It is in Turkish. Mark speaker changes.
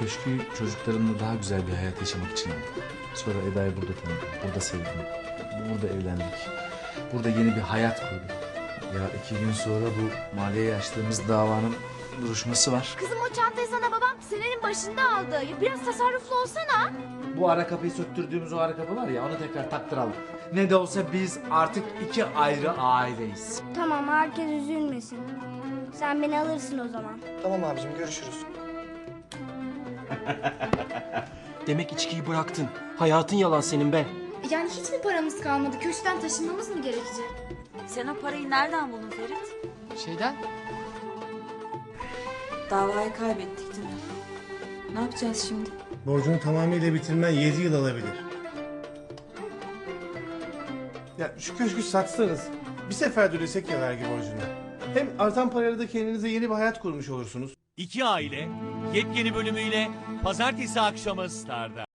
Speaker 1: köşkü çocuklarımla daha güzel bir hayat yaşamak için aldım. Sonra Eda'yı burada tanıdım, burada sevdim, burada evlendik. Burada yeni bir hayat kurduk. Ya 2 gün sonra bu maliyeye açtığımız davanın duruşması var.
Speaker 2: Kızım o çantayı sana babam senenin başında aldı. Ya biraz tasarruflu olsana.
Speaker 1: Bu ara kapıyı söktürdüğümüz o ara kapı var ya, onu tekrar taktıralım. Ne de olsa biz artık 2 ayrı aileyiz.
Speaker 3: Tamam, herkes üzülmesin. Sen beni alırsın o zaman.
Speaker 4: Tamam abicim, görüşürüz.
Speaker 5: Demek içkiyi bıraktın. Hayatın yalan senin be.
Speaker 2: Yani hiç mi paramız kalmadı? Köşkten taşınmamız mı gerekecek?
Speaker 6: Sen o parayı nereden buldun Ferit?
Speaker 4: Şeyden?
Speaker 6: Davayı kaybettik değil mi? Ne yapacağız şimdi?
Speaker 7: Borcunu tamamıyla bitirmen 7 yıl alabilir. Ya şu köşkü satsanız bir seferde ödesek ya vergi borcunu. Hem artan parayla da kendinize yeni bir hayat kurmuş olursunuz.
Speaker 8: İki Aile yepyeni bölümüyle pazartesi akşamı Star'da.